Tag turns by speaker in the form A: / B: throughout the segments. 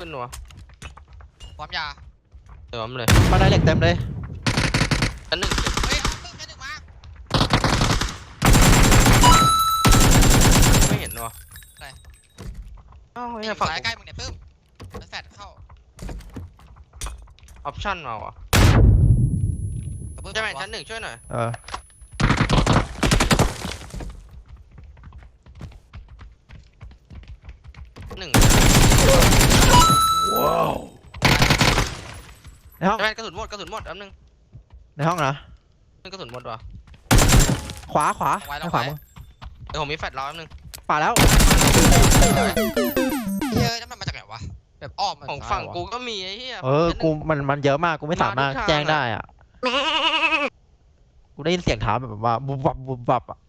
A: นวะ
B: ความยา
A: เติมเลย
C: มาได้เหล็กเต็มเลย
A: ชั้นหนึ่ง
B: เฮ้ยตึ้งแค่หนึ่งมา
A: ไม่เห็นวะอ้าวเนี่ยฝั่ง
B: สายใกล้มึงเนี่ยตึ้มแล้วแฟดเข้า
A: ออปชั่นมาวะใช่ไหมชั้นหนึ่งช่วยหน่อยหนึ่ง
C: ว้าวในห้อง
A: ใช่ไหมกระสุนหมดแป๊บนึง
C: ในห้องนะ
A: กระสุนหมดวะ
C: ขวาขวาขวา
A: เดี๋ยวผมมีแฟลชรอแป๊บนึง
C: ป่าแล้ว
B: เฮ้ยนั่นมันมาจากไหนวะแบบอ้อม
A: ของฝั่งกูก็มีไอ้เหี้ย
C: กูมันเยอะมากกูไม่สามารถแจ้งได้อ่ะกูได้ยินเสียงเท้าแบบว่าบุบบับบุบบับอ่ะ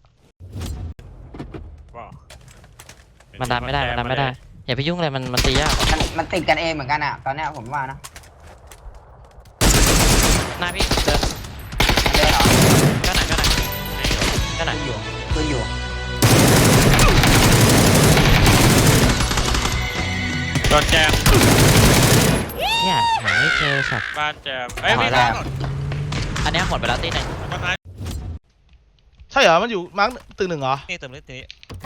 D: มันดันไม่ได้อย่าไปยุ่งเลยมันตียาก
E: มันติดกันเองเหมือนกันอ่ะตอนนี้ผมว่านะ
D: หน้าพี่เดิน
E: เหรอ
D: ก็ไหน
E: อยู่คืออยู่
F: โดนแจม
D: เนี่ยหาไม่เจอสัตว์
F: บ้านแจมไม่ได้
D: อันนี้หมดไปแล้วตีหนึ่ง
G: ใช่เหรอมันอยู่มาร์คตึกหนึ่งเหรอ
F: นี่เติมนิดนี้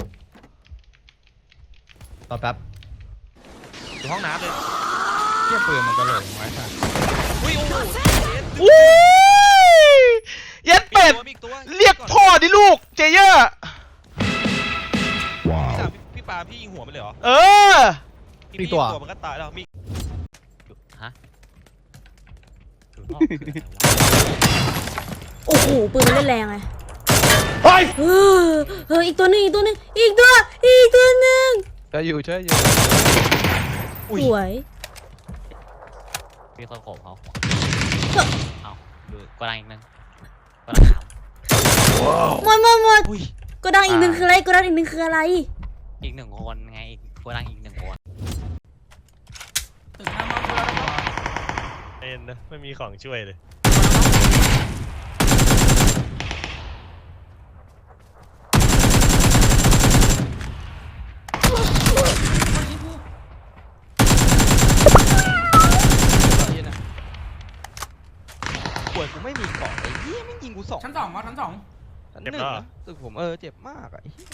C: ต่อแป๊บ
F: อยู่ห้องน้ำเลย
G: เทียบปืนมันก็เลยไว้ค่ะ
F: อุ้ยโอ้โห
G: เย็ดเป็ดเรียกพ่อดิลูกเจเยอร์
F: พี่ปาพี่ยิงหัวมันเลยเหรอ
G: มีตัว
F: มันก็ตายแล้วมี
D: ฮะ
H: โอ้โหปืนมันเล่นแรงไง
G: เฮ้ย
H: อีกตัวนึงอีกตัวหนึ่ง
C: ช่วยอยู่
H: สวย
D: มีคนโขบเขาเอาดูกระดังอีกนึงกระดังขาว
H: หมดกระดังอีกหนึ่งคืออะไร
D: อีกหนึ่งคนไงอีกกระดังอีกหนึ่งคน
F: เอ็นนะไม่มีของช่วยเลย
C: ป่วยกูไม่มีเกาะไอ้เหี้ยไม่ยิงกู2
E: ชั้น 2ชั้น 2
C: ชั้น 1ตึกผมเจ็บมากไอ้เหี้ย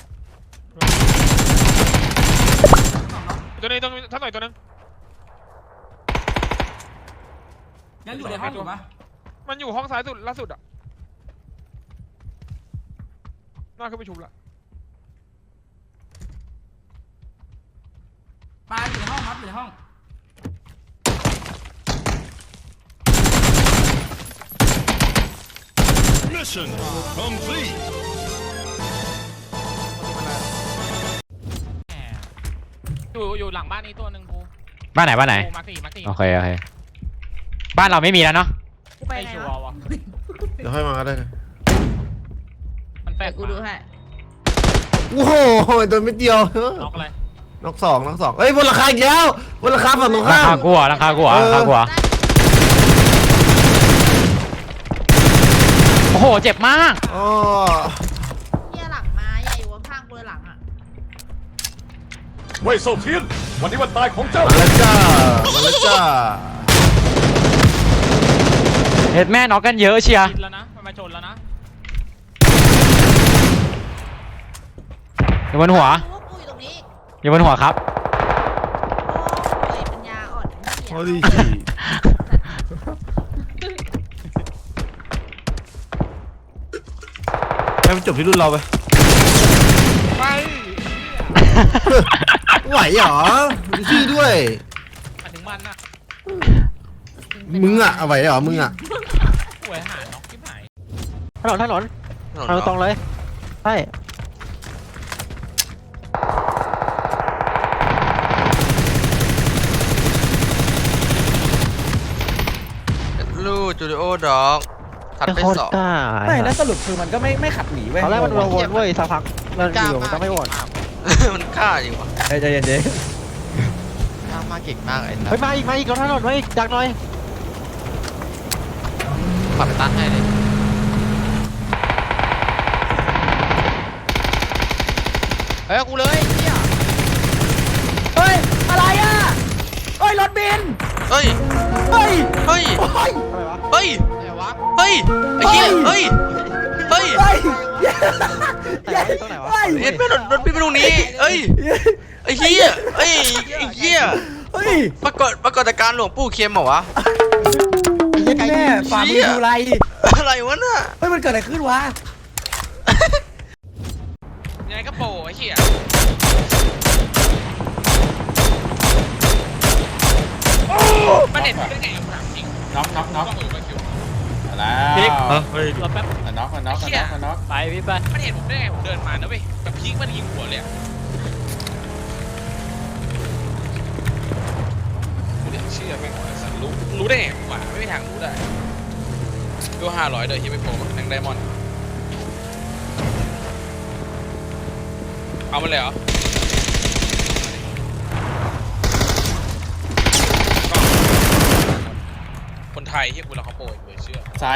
F: ตัวนี้ต้องท่านหน่อยตัวนึง
E: ยังอยู่ในห้องอยู่ปะ
F: มันอยู่ห้องซ้ายสุดล่าสุดอ่ะน่าขึ้นไปชุบละ
E: ปลาอยู่ในห้องครับอยู่ในห้อง
I: Mission complete
F: อยู่หลังบ้านนี้ตัวนึงกู
D: บ้านไหน
F: มาสี่
D: โอเคบ้านเราไม่มีแล้วเนาะ
F: ไม่ชัวร์วะ
G: เดี๋ยวให้มาก็ได้
F: มันแปลก
E: กูดูให้
G: โอ้โหตัวไม่เดียว
F: น็อกอะไร
G: น็อกสองเฮ้ยบนราคาอีกแล้วบนราคาฝั่งตรงข้าม
D: ราคากูโอ้โหเจ็บมาก
H: เหี้ยหลังมาใหญ่อยู่ข้างกูเลยหลังอ่ะ
I: เว่ยโซเทียนวันนี้วันตายของเจ้า
G: มาแล้วจ้า
D: เห็ดแม่น็อกกันเยอะเชียร์
F: แล้วนะมันมาชนแล้วนะ
D: อยู่บนหัวครับ
H: ปัญญาอ่อน
G: โอ้ยให้มันจบที่รุ่นเราไปไหวเหรอดูชื่อด้วย
F: ถึงมันน่ะ
G: มึงอะไหวเหรอมึงอะ
F: ป่วยหาน็อกที่ไหน
C: ถนนตรงเลยใช่
A: ลูจูดิโอด็อกขัดไป2
C: ไม่แล้วสรุปคือมันก็ไม่ขัดหนีเว้ยตอนแรกมันวนเว้ยสักพักมันอยู่มันก็ไม่วน
A: มันฆ่าจริงวะ
C: ใจเย็น
A: มาเก่งมากไอ้
C: เฮ้ยมาอีกรถถนนมาอีกดักหน่อย
A: ปัดไปตันให้เลย
B: เฮ้ยกูเลย
C: เฮ้ยอะไรอ่ะเฮ้ยรถบิน
A: เฮ้ย
C: เฮ้ย
A: เฮ้ย
C: เฮ้ย
A: เฮ้ย
B: ไหนวะ
A: เฮ้ยไอ้เหี้ยเฮ้ยเฮ้ย
C: เฮ้ย
G: ตรงไหนวะ
C: เฮ้ย
A: เอ็ดแม่รถพี่ไปตรงนี้เอ้ยไอ้เหี้ยเอ้ยไอ้เหี้ย
C: เฮ้ย
A: ปรากฏการณ์หลวงปู่เค็มเหรอวะ
C: แม่ฝ่ามือดูไร
A: อะไรวะน่ะ
C: เฮ้ยมันเกิดอะไรขึ้นวะ
F: ยังไงก็โปไอ้เหี้ย
B: มันเห็นได้ไงกูถามจริง
E: น็อกน็อกน็อกแล้ว
D: พลิกเฮ้ยรอแป๊บ
E: น็อกน็อกน็อกน็อก
D: ไปพี่ไป
F: มันเห็นผมได้ไงผมเดินมานะเว้ยแบบพีคมันยิงหัวเลยกูเรียกเชื่อแม่งว่าสันรู้ได้ไงวะไม่มีทางรู้ได้ดู500เลยที่ไม่โผล่แทงไดมอนด์เอามันเลยเหรอคนไทยที่กูรักเขาโปรยเบื่อเชื่อ
E: ซ้าย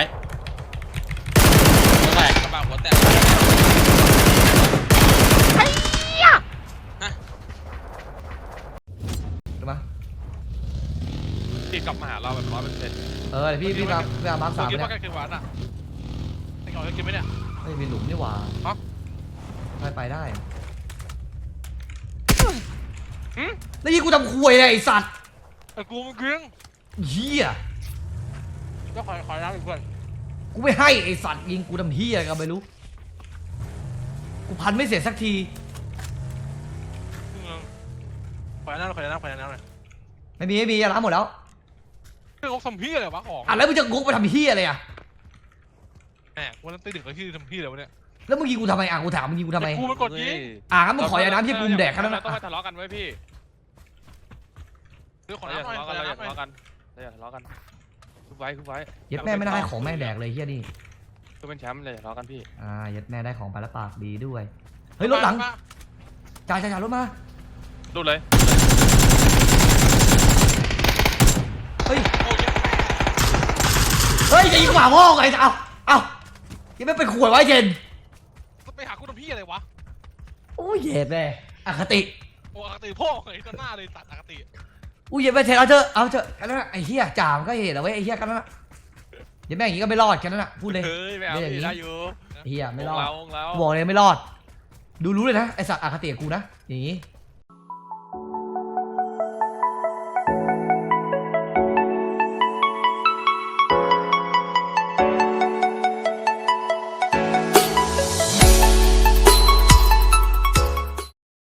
F: แตกกระบะหัวแตกที่กลับมาหาเราแบบ100%
C: เออพี่ตามมาร์ค3
F: คิด
C: เนี่ย
F: ว่ากันคือวันอ่ะไอ้ก่อนจะกินไหมเนี่ย
C: ไม่มีหลุมนี่หว่าไปได้แล้วยี่กูทำควยเลยไอ้สัตว์
F: ไอ้กูมันเกลี้ยง
C: เหี้ย
F: ก็ขอน้ำอีกเพื่อน
C: กูไม่ให้ไอ้สัตว์ยิงกูทำเหี้ยอะไรกันไม่รู้กูพันไม่เสร็จสักที
F: ขอน้ำเลย
C: ไม่มีอย่าล้างหมดแล้ว
F: เรื่องทำพี่อะไรวะของ
C: อ่ะแล้วมึงจะงกไปทำเหี้ยอะไรอ่ะ
F: แหมวันนั้นตีดึกแล้วที่ทำพี่อะไรวะเนี่ย
C: แล้วมึงยิงกูทำไมอ่ะกูถามมึงยิงกูทำไม
F: กูมันกดยิง
C: งั้นมึงขอยาน้ำที่กูแดกแค่นั้น
F: เรา
C: นะ
F: ต้องไปทะเลาะกันไว้พี่ขอน้ำหน่อยขอน้ำหน่อย
G: ทะเลาะกันคุบไว้
C: เย็ดแม่ไม่ได้ให้ของแม่งแดกเลยเหี้ยนี่
G: คือเป็นแชมป์เลยทะเลาะกันพี่
C: เย็ดแม่ได้ของไปแล้วปากดีด้วยเฮ้ยรถหลังจ่ายรถมา
G: ดูเลย
C: เฮ้ยจะยิงขวาพ่อไงเอายังไม่เป็นขวดไว้เย็น
F: ไปหาคุณทำพี่อะไรวะ
C: โอ้ยเย็ดแม่อคติ
F: โอ้อคติพ่อไอ้ต้นหน้าเลยตัดอคติ
C: อุ้ยเย็ดแม่เทเอาเถอะกันนั่นไอ้เหี้ยจ่ามก็เห็นเอาไว้ไอ้เหี้ยกันนั่นเย็ดแม่อย่างงี้ก็ไม่รอดกันนั่นพูดเลย
G: เฮ้ยไม่เอาได้อยู่
C: เหี้ยไม่รอด
G: เรา
C: บอกเลยไม่รอดดูรู้เลยนะไอ้สัตว์อคติกูนะอย่างงี้